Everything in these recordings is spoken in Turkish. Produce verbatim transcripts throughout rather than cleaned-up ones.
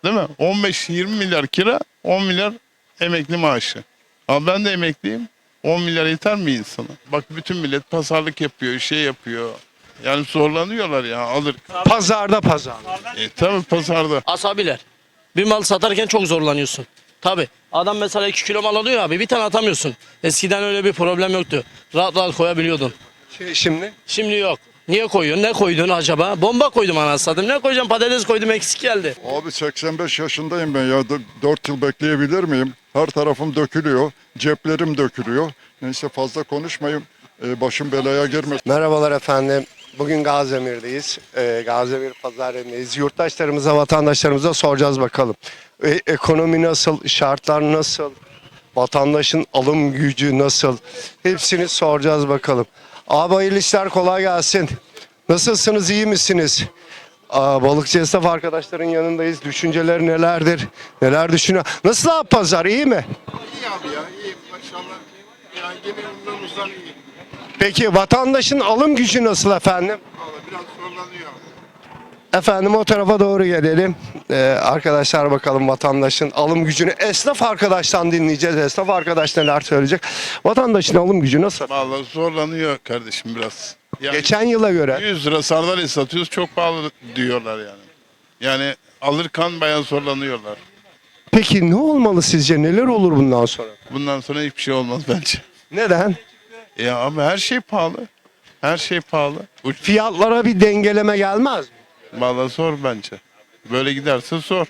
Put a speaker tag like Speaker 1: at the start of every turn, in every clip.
Speaker 1: Değil mi? on beş yirmi milyar kira, on milyar emekli maaşı. Ama ben de emekliyim. on milyar yeter mi insana? Bak bütün millet pazarlık yapıyor, şey yapıyor. Yani zorlanıyorlar ya alır.
Speaker 2: Pazarda pazar.
Speaker 1: E tabi pazarda.
Speaker 3: Asabiler. Bir mal satarken çok zorlanıyorsun. Tabi. Adam mesela iki kilo mal alıyor abi, bir tane atamıyorsun. Eskiden öyle bir problem yoktu. Rahat rahat koyabiliyordun.
Speaker 2: Şey, şimdi
Speaker 3: Şimdi yok. Niye koyuyorsun? Ne koydun acaba? Bomba koydum anasını satayım. Ne koyacağım? Patates koydum, eksik geldi.
Speaker 4: Abi seksen beş yaşındayım ben ya. dört yıl bekleyebilir miyim? Her tarafım dökülüyor. Ceplerim dökülüyor. Neyse fazla konuşmayayım. Ee, başım belaya girmesin.
Speaker 2: merhabalar efendim. Bugün Gaziemir'deyiz. Ee, Gaziemir pazarındayız. Yurttaşlarımıza, vatandaşlarımıza soracağız bakalım. E, ekonomi nasıl, şartlar nasıl, vatandaşın alım gücü nasıl? Hepsini soracağız bakalım. Abi hayırlı işler, kolay gelsin. Nasılsınız, iyi misiniz? Aa, balıkçı esnaf arkadaşların yanındayız. Düşünceleri nelerdir? Neler düşünüyor? Nasıl abi pazar, iyi mi?
Speaker 1: İyi abi ya iyi maşallah. Yani gene uzdan iyi.
Speaker 2: Peki vatandaşın alım gücü nasıl efendim?
Speaker 1: Valla biraz zorlanıyor.
Speaker 2: Efendim o tarafa doğru gelelim. Ee, arkadaşlar bakalım vatandaşın alım gücünü. Esnaf arkadaştan dinleyeceğiz. Esnaf arkadaş neler söyleyecek? Vatandaşın alım gücü nasıl?
Speaker 1: Valla zorlanıyor kardeşim biraz. Yani
Speaker 2: Geçen yıla göre.
Speaker 1: yüz lira sardalya satıyoruz çok pahalı diyorlar yani. Yani alırken bayağı zorlanıyorlar.
Speaker 2: Peki ne olmalı sizce? Neler olur bundan sonra?
Speaker 1: Bundan sonra hiçbir şey olmaz bence.
Speaker 2: Neden?
Speaker 1: Ya ama her şey pahalı. Her şey pahalı. Uç-
Speaker 2: Fiyatlara bir dengeleme gelmez mi?
Speaker 1: Valla zor bence. Böyle giderse zor.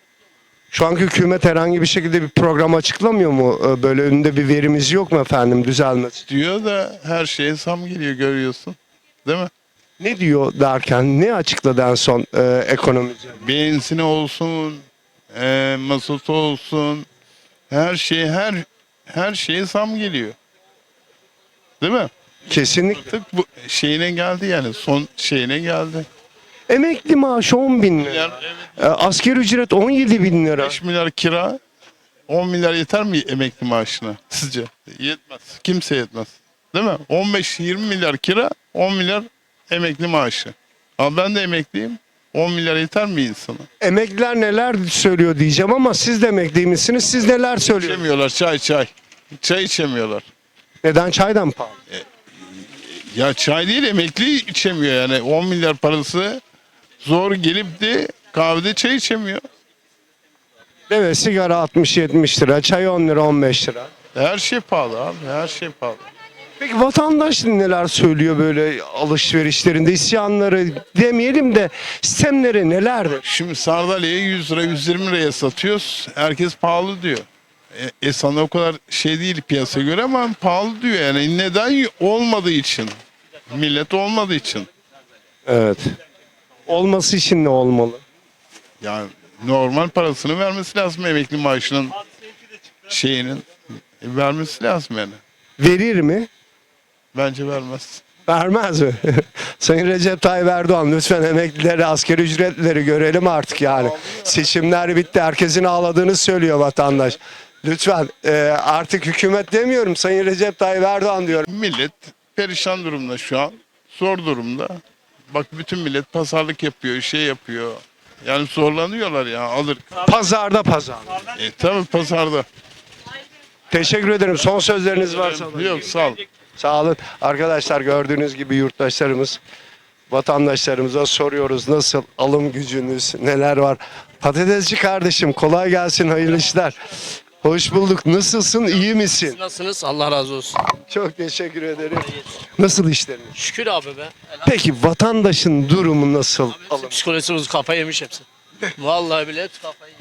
Speaker 2: Şu anki hükümet herhangi bir şekilde bir program açıklamıyor mu? Ee, Böyle önünde bir verimiz yok mu efendim düzelmesi?
Speaker 1: Diyor da her şeye zam geliyor görüyorsun. Değil mi?
Speaker 2: Ne diyor derken ne açıkladı en son e, ekonomici?
Speaker 1: Benzini olsun, e, mazotu olsun. Her şey her her şeye zam geliyor. Değil mi?
Speaker 2: Kesinlikle.
Speaker 1: Artık bu şeyine geldi yani son şeyine geldi.
Speaker 2: Emekli maaşı on bin lira.
Speaker 1: Yani
Speaker 2: E, asgari ücret on yedi bin lira.
Speaker 1: beş milyar kira, on milyar yeter mi emekli maaşına sizce? Yetmez. Kimse yetmez. Değil mi? on beş yirmi milyar kira, on milyar emekli maaşı. Ama ben de emekliyim. on milyar yeter mi insana?
Speaker 2: Emekliler neler söylüyor diyeceğim ama siz de emekli misiniz? Siz neler söylüyorsunuz?
Speaker 1: İçemiyorlar çay çay. Çay içemiyorlar.
Speaker 2: Neden çaydan pahalı?
Speaker 1: Ya çay değil emekli içemiyor yani. on milyar parası zor gelip de kahvede çay içemiyor.
Speaker 2: Evet, sigara altmış yetmiş lira, çay on lira on beş lira.
Speaker 1: Her şey pahalı abi. Her şey pahalı.
Speaker 2: Peki vatandaş neler söylüyor böyle alışverişlerinde, isyanları demeyelim de sistemleri nelerdir?
Speaker 1: Şimdi sardalyayı yüz lira yüz yirmi liraya satıyoruz. Herkes pahalı diyor. E, e sana o kadar şey değil piyasaya göre ama pahalı diyor yani. Neden? Olmadığı için. Millet olmadığı için.
Speaker 2: Evet. Olması için ne olmalı?
Speaker 1: Yani normal parasını vermesi lazım emekli maaşının şeyinin. E, vermesi lazım yani.
Speaker 2: Verir mi?
Speaker 1: Bence vermez.
Speaker 2: Vermez mi? Sayın Recep Tayyip Erdoğan lütfen emeklileri, asgari ücretlileri görelim artık yani. Seçimler bitti. Herkesin ağladığını söylüyor vatandaş. Lütfen e, artık hükümet demiyorum. Sayın Recep Tayyip Erdoğan diyorum.
Speaker 1: Millet perişan durumda şu an. Zor durumda. Bak bütün millet pazarlık yapıyor, şey yapıyor. Yani zorlanıyorlar ya alır.
Speaker 2: Pazarda pazar.
Speaker 1: E tabi pazarda.
Speaker 2: Teşekkür ederim. Son sözleriniz varsa.
Speaker 1: Yok sağ ol.
Speaker 2: Sağ olun. Arkadaşlar gördüğünüz gibi yurttaşlarımız, vatandaşlarımıza soruyoruz nasıl alım gücünüz, neler var. Patatesçi kardeşim kolay gelsin, hayırlı işler. Hoş bulduk. Nasılsın, iyi misin?
Speaker 3: Siz nasılsınız? Allah razı olsun.
Speaker 2: Çok teşekkür ederim. Nasıl işleriniz?
Speaker 3: Şükür abi be.
Speaker 2: Peki vatandaşın durumu nasıl? Alım.
Speaker 3: Psikolojimiz kafayı yemiş hepsi. Vallahi bile hepsi kafayı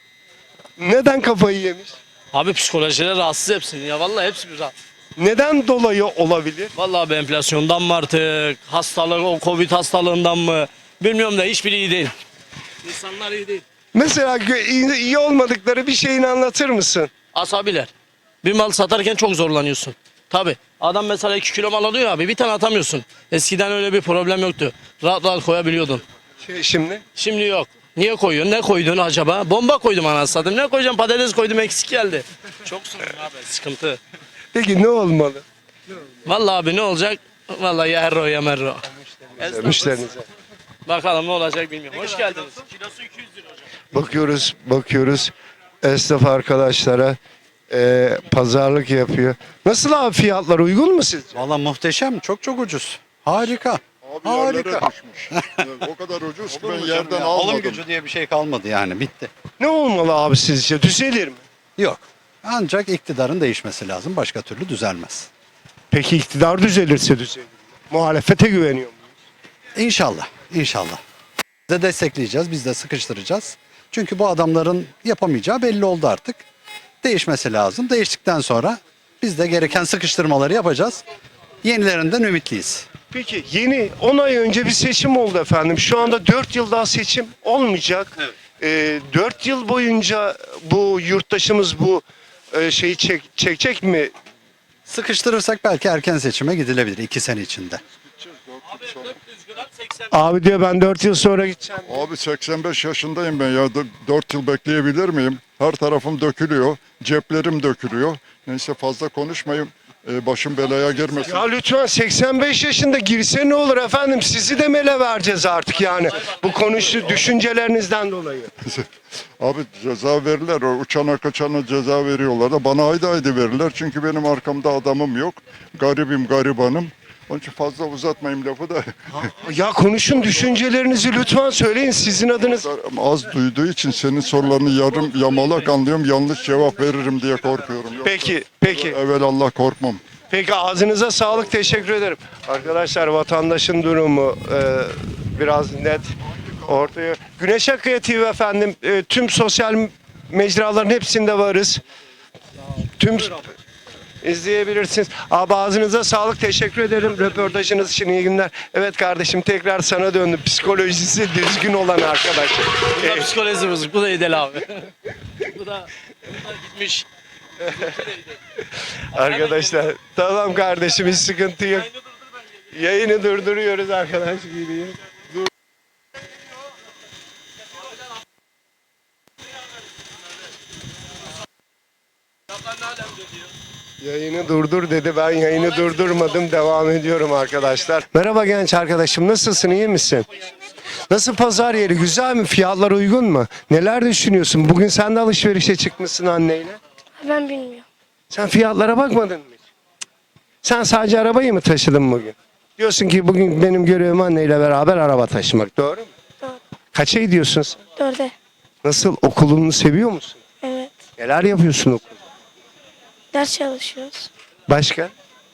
Speaker 3: yemiş.
Speaker 2: Neden kafayı yemiş?
Speaker 3: Abi psikolojileri rahatsız hepsinin ya. Vallahi hepsi bir rahat.
Speaker 2: Neden dolayı olabilir?
Speaker 3: Vallahi be enflasyondan mı artık? Hastalık, o Covid hastalığından mı? Bilmiyorum da hiçbiri iyi değil. İnsanlar iyi değil.
Speaker 2: Mesela gö- iyi iyi olmadıkları bir şeyini anlatır mısın?
Speaker 3: Asabiler. Bir mal satarken çok zorlanıyorsun. Tabi. Adam mesela iki kilo mal alıyor abi, bir tane atamıyorsun. Eskiden öyle bir problem yoktu. Rahat rahat koyabiliyordun.
Speaker 2: Şey, şimdi
Speaker 3: Şimdi yok. Niye koyuyorsun? Ne koydun acaba? Bomba koydum anasını satayım. Ne koyacağım? Patates koydum, eksik geldi. Çok sorun abi, sıkıntı.
Speaker 2: peki ne olmalı?
Speaker 3: Vallahi abi ne olacak? Vallahi ya herro ya merro.
Speaker 2: Müşterinize.
Speaker 3: Bakalım ne olacak bilmiyorum. Hoş geldiniz. Kilosu iki yüz lira hocam.
Speaker 2: Bakıyoruz, bakıyoruz esnaf arkadaşlara e, pazarlık yapıyor. Nasıl abi, fiyatlar uygun mu sizce?
Speaker 5: Valla muhteşem. Çok çok ucuz. Harika.
Speaker 4: Abi
Speaker 5: Harika.
Speaker 4: yerlere düşmüş. Yani o kadar ucuz ki ben
Speaker 5: Hocam
Speaker 4: yerden
Speaker 5: ya,
Speaker 4: almadım.
Speaker 5: Alım gücü diye bir şey kalmadı yani. Bitti.
Speaker 2: Ne olmalı abi sizce? Düzelir mi?
Speaker 5: Yok. Ancak iktidarın değişmesi lazım. Başka türlü düzelmez.
Speaker 2: Peki iktidar düzelirse düzelir mi? Muhalefete güveniyor muyuz?
Speaker 5: İnşallah. İnşallah. Biz de destekleyeceğiz. Biz de sıkıştıracağız. Çünkü bu adamların yapamayacağı belli oldu artık. Değişmesi lazım. Değiştikten sonra biz de gereken sıkıştırmaları yapacağız. Yenilerinden ümitliyiz.
Speaker 2: Peki yeni on ay önce bir seçim oldu efendim. Şu anda dört yıl daha seçim olmayacak.
Speaker 5: Evet.
Speaker 2: Ee, dört yıl boyunca bu yurttaşımız bu e, şeyi çek, çekecek mi?
Speaker 5: Sıkıştırırsak belki erken seçime gidilebilir iki sene içinde.
Speaker 3: dört yüz gram seksen.
Speaker 2: Abi diyor ben dört yıl sonra gideceğim.
Speaker 4: Abi seksen beş yaşındayım ben ya. dört yıl bekleyebilir miyim? Her tarafım dökülüyor. Ceplerim dökülüyor. Neyse fazla konuşmayayım. Ee, başım belaya girmesin.
Speaker 2: Ya lütfen seksen beş yaşında girse ne olur efendim? Sizi de mele vereceğiz artık yani. Bu konuşu düşüncelerinizden dolayı.
Speaker 4: Abi ceza verirler. O uçana kaçana ceza veriyorlar da bana haydi haydi verirler. Çünkü benim arkamda adamım yok. Garibim garibanım. Onun için fazla uzatmayayım lafı da.
Speaker 2: Ya konuşun, düşüncelerinizi lütfen söyleyin. Sizin adınız.
Speaker 4: Az duyduğu için senin sorularını yarım yamalak anlıyorum. Yanlış cevap veririm diye korkuyorum. Yoksa
Speaker 2: Peki, peki.
Speaker 4: evvel Allah korkmam.
Speaker 2: Peki ağzınıza sağlık, teşekkür ederim. Arkadaşlar vatandaşın durumu e, biraz net ortaya. Güneş Akıya T V efendim, e, tüm sosyal mecraların hepsinde varız. Tüm izleyebilirsiniz. Abi ağzınıza sağlık, teşekkür ederim röportajınız için, iyi günler. Evet kardeşim, tekrar sana döndüm. Psikolojisi düzgün olan arkadaş.
Speaker 3: Bu da
Speaker 2: E,
Speaker 3: psikolojisi bozuk. Bu da İdel abi. bu da, bu da gitmiş.
Speaker 2: arkadaşlar tamam kardeşim, hiç sıkıntı yok. Yayını durduruyoruz arkadaş. Yayını durdur dedi. Ben yayını durdurmadım. Devam ediyorum arkadaşlar. Merhaba genç arkadaşım. Nasılsın? İyi misin? Nasıl pazar yeri? Güzel mi? Fiyatlar uygun mu? Neler düşünüyorsun? Bugün sen de alışverişe çıkmışsın anneyle.
Speaker 6: Ben bilmiyorum.
Speaker 2: Sen fiyatlara bakmadın mı? Sen sadece arabayı mı taşıdın bugün? Diyorsun ki bugün benim görevim anneyle beraber araba taşımak. Doğru mu?
Speaker 6: Doğru.
Speaker 2: Kaça gidiyorsun sen?
Speaker 6: Dörde.
Speaker 2: Nasıl? Okulunu seviyor musun?
Speaker 6: Evet.
Speaker 2: Neler yapıyorsun okulda?
Speaker 6: Ders çalışıyoruz.
Speaker 2: Başka?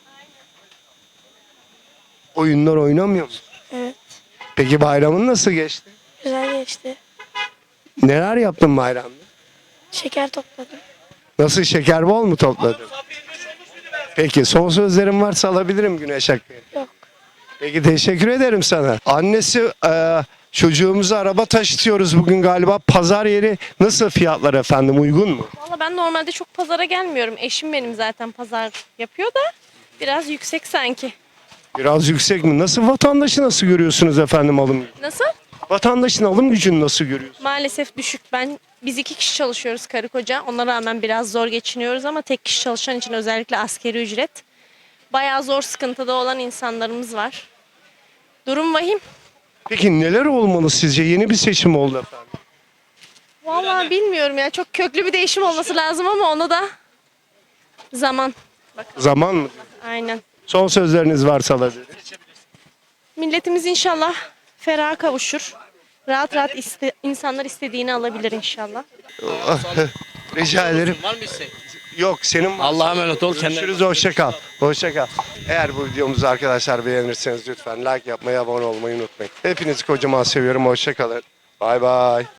Speaker 2: Oyunlar oynamıyor musun?
Speaker 6: Evet.
Speaker 2: Peki bayramın nasıl geçti?
Speaker 6: Güzel geçti.
Speaker 2: Neler yaptın bayramda?
Speaker 6: Şeker topladım.
Speaker 2: Nasıl, şeker bol mu topladın? Peki son sözlerim varsa alabilirim Güneş Akgül.
Speaker 6: Yok.
Speaker 2: Peki teşekkür ederim sana. Annesi e, çocuğumuzu araba taşıtıyoruz bugün galiba. Pazar yeri nasıl, fiyatlar efendim uygun mu?
Speaker 7: Valla ben normalde çok pazara gelmiyorum. Eşim benim zaten pazar yapıyor da biraz yüksek sanki.
Speaker 2: Biraz yüksek mi? Nasıl, vatandaşı nasıl görüyorsunuz efendim alım gücü?
Speaker 7: Nasıl?
Speaker 2: Vatandaşın alım gücünü nasıl görüyorsunuz?
Speaker 7: Maalesef düşük. Ben biz iki kişi çalışıyoruz karı koca. Ona rağmen biraz zor geçiniyoruz ama tek kişi çalışan için özellikle askeri ücret. Bayağı zor, sıkıntıda olan insanlarımız var. Durum vahim.
Speaker 2: Peki neler olmalı sizce? Yeni bir seçim oldu efendim.
Speaker 7: Valla bilmiyorum ya. Çok köklü bir değişim olması lazım ama ona da zaman.
Speaker 2: Zaman mı?
Speaker 7: Aynen.
Speaker 2: Son sözleriniz varsa alabilirim.
Speaker 7: Milletimiz inşallah feraha kavuşur. Rahat rahat iste, insanlar istediğini alabilir inşallah.
Speaker 2: Rica ederim.
Speaker 3: Var mı isteğin?
Speaker 2: Yok, senin var.
Speaker 3: Allah'a emanet ol. Kendine.
Speaker 2: Görüşürüz, hoşça kal. Hoşça kal. Eğer bu videomuzu arkadaşlar beğenirseniz lütfen like yapmayı, abone olmayı unutmayın. Hepinizi kocaman seviyorum. Hoşça kalın. Bay bay.